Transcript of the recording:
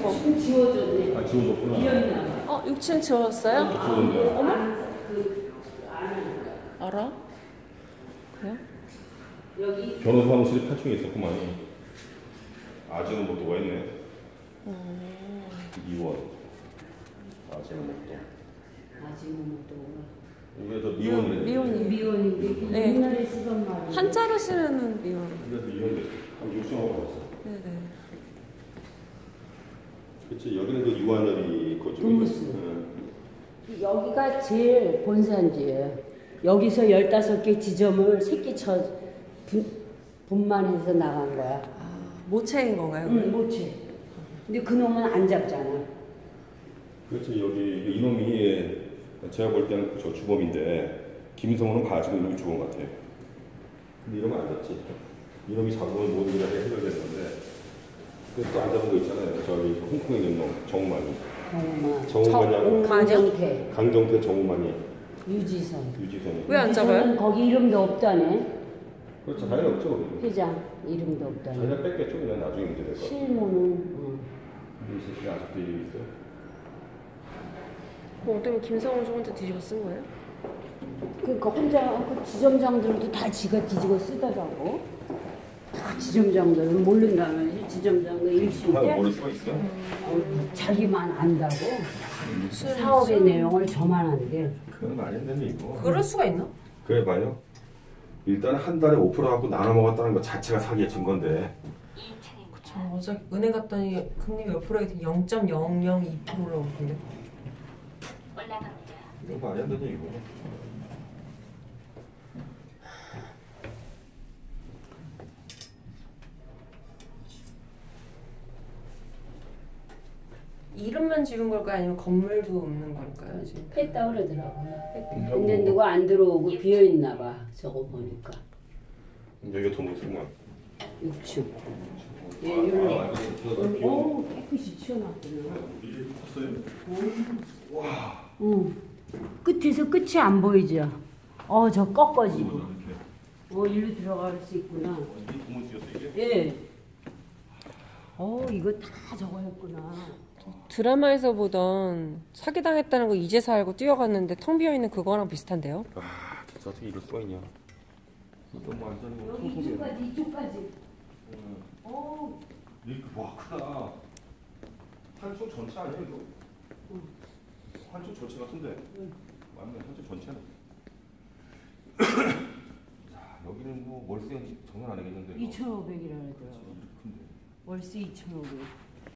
거. 지워줬네. 아, 지워줬구나. 비었나? 6층 지웠어요? 지웠는데. 어머? 알아? 그래요? 여기 변호사 사무실이 8층에 있었구만. 아재는 못도가 있네. 2원. 아재는 못도. 이게 더 미원이래. 미혼이에요. 미원인데 네. 옛날에 쓰던 말이에요. 한자로 쓰면은 미혼. 그래서 이혼됐어. 한 6층하고 갔어. 네네. 그치, 여기는 그 유한열이 그쪽이. 동무스. 여기가 제일 본산지예요. 여기서 15개 지점을 새끼 쳐 분만해서 나간 거야. 모체인 건가요? 응, 못해. 근데 그놈은 안 잡잖아. 그렇지, 여기 이놈이 제가 볼 때는 저 주범인데 김성호는 가지고 이놈이 주범 같아. 근데 이러면 안 잡지. 이놈이 잡으면 모든 게 해결되는 건데. 또 안 잡은 거 있잖아요. 저기 홍콩에 있는 놈 정우만이. 정우만이. 강정태 정우만이. 유지선이. 왜 안 잡아요? 거기 이름도 없다네. 그렇죠. 자기가 없죠. 거기. 회장 이름도 없다네. 자기가 뺐겠죠. 그냥 나중에 문제 될 거. 실무는. 근데 이 새끼가 아직도 일이 있어요. 어쩌면 김성훈 씨 혼자 뒤집어 쓴 거예요? 그러니까 혼자 그 지점장들도 다 지가 뒤집어 쓰더라고. 다 지점장들은 모른다면 지점장도 일심인데 모를 수가 있어? 자기만 안다고 사업의 내용을 저만 안대. 그건 말이 안 되는 이거. 그럴 수가 있나? 그래 봐요. 일단 한 달에 5% 갖고 나눠 먹었다는 것 자체가 사기의 증거인데. 그쵸. 어제 은행 갔더니 금리 몇 프로에 0.002%라고 그러는데. 이거 말이 안 되는 이거. 이름만 지운 걸까요? 아니면 건물도 없는 걸까요? 지금? 뺐다 그러더라고요. 근데 누가 안 들어오고 비어있나 봐. 저거 보니까. 여기가 더 못쓰구만. 6층. 예, 여기. 오, 깨끗이 치워놨구나. 이게 컸어요? 와. 응. 끝에서 끝이 안 보이죠? 저 꺾어지. 일로 들어갈 수 있구나. 이게 더 못쓰였어 이게? 예. 이거 다 저거 했구나. 드라마에서 보던 사기당했다는 거 이제서 알고 뛰어갔는데 텅 비어있는 그거랑 비슷한데요? 아, 진짜 어떻게 이럴 수가 있냐. 이거 뭐 완전히 뭐 여기 이쪽까지. 와, 크다. 한쪽 전체 아니야 이거? 한쪽 전체 같은데? 맞네, 한쪽 전체네. 자, 여기는 뭐 월세 장난 안 하겠는데. 2,500이라 그러더라고. 이렇게 큰데. 월세 2,500.